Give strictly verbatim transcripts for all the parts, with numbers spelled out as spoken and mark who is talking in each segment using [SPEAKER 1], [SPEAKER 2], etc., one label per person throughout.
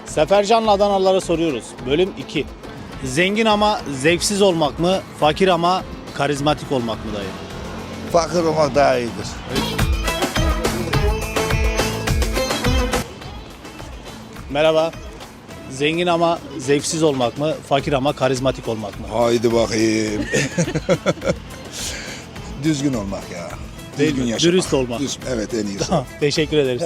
[SPEAKER 1] Sefercan'la Adanalılara soruyoruz. Bölüm iki. Zengin ama zevksiz olmak mı, fakir ama karizmatik olmak mı dayı?
[SPEAKER 2] Fakir olmak daha iyidir.
[SPEAKER 1] Merhaba. Zengin ama zevksiz olmak mı, fakir ama karizmatik olmak mı?
[SPEAKER 2] Haydi bakayım. Düzgün olmak ya.
[SPEAKER 1] Değil
[SPEAKER 2] Düzgün
[SPEAKER 1] mi?
[SPEAKER 2] yaşamak.
[SPEAKER 1] Dürüst olmak.
[SPEAKER 2] Düz- evet en iyisi.
[SPEAKER 1] Teşekkür ederiz.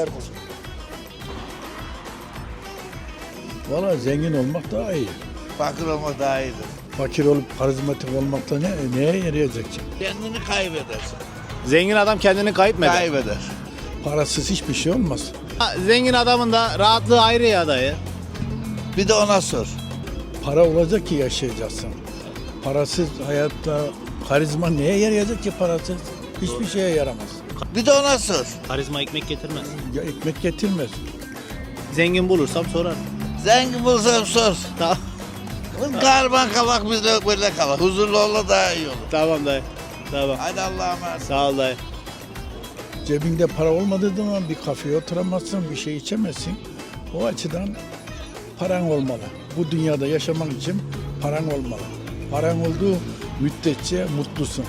[SPEAKER 3] Valla zengin olmak daha iyi.
[SPEAKER 2] Fakir olmak daha iyidir.
[SPEAKER 3] Fakir olup karizmatik olmakta ne, neye yarayacak ki?
[SPEAKER 2] Kendini kaybedersin.
[SPEAKER 1] Zengin adam kendini kayıp mı eder?
[SPEAKER 2] Kaybeder.
[SPEAKER 3] Parasız hiçbir şey olmaz.
[SPEAKER 1] Ha, Zengin adamın da rahatlığı ayrı ya dayı.
[SPEAKER 2] Bir de ona sor.
[SPEAKER 3] Para olacak ki yaşayacaksın. Parasız hayatta karizma neye yarayacak ki parasız? Hiçbir şeye yaramaz.
[SPEAKER 2] Bir de ona sor.
[SPEAKER 1] Karizma ekmek getirmez.
[SPEAKER 3] Ya ekmek getirmez.
[SPEAKER 1] Zengin bulursam sorarım.
[SPEAKER 2] Zengin bulsam sor.
[SPEAKER 1] Tamam.
[SPEAKER 2] Karman kalak biz de böyle kalak. Huzurlu olla daha iyi olur.
[SPEAKER 1] Tamam dayı. Tamam.
[SPEAKER 2] Hadi Allah'a emanet.
[SPEAKER 1] Sağ ol dayı.
[SPEAKER 3] Cebinde para olmadığı zaman bir kafeye oturamazsın, bir şey içemezsin. O açıdan paran olmalı. Bu dünyada yaşamak için paran olmalı. Paran olduğu müddetçe mutlusun.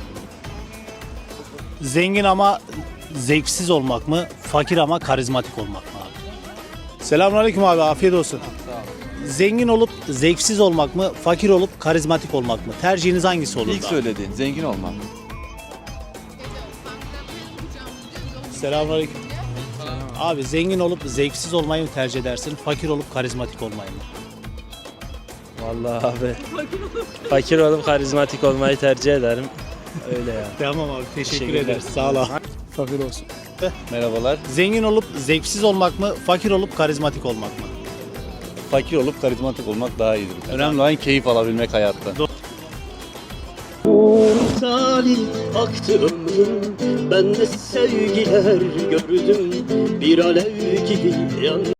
[SPEAKER 1] Zengin ama zevksiz olmak mı, fakir ama karizmatik olmak mı abi? Selamünaleyküm abi, afiyet olsun. Zengin olup zevksiz olmak mı, fakir olup karizmatik olmak mı? Tercihiniz hangisi olur?
[SPEAKER 4] İlk söylediğin zengin olmak.
[SPEAKER 1] Selamünaleyküm. Abi zengin olup zevksiz olmayı mı tercih edersin, fakir olup karizmatik olmayı mı?
[SPEAKER 5] Vallahi abi fakir olup karizmatik olmayı tercih ederim. Öyle ya.
[SPEAKER 1] Tamam abi, teşekkür
[SPEAKER 5] Teşekkürler.
[SPEAKER 1] ederiz. Sağ ol abi.
[SPEAKER 3] Fakir olsun.
[SPEAKER 4] Merhabalar.
[SPEAKER 1] Zengin olup zevksiz olmak mı, fakir olup karizmatik olmak mı?
[SPEAKER 4] Fakir olup karizmatik olmak daha iyidir. Önemli olan keyif alabilmek hayatta.
[SPEAKER 6] Salih aktı ömrüm, ben de sevgiler gördüm, bir alev gibi yan.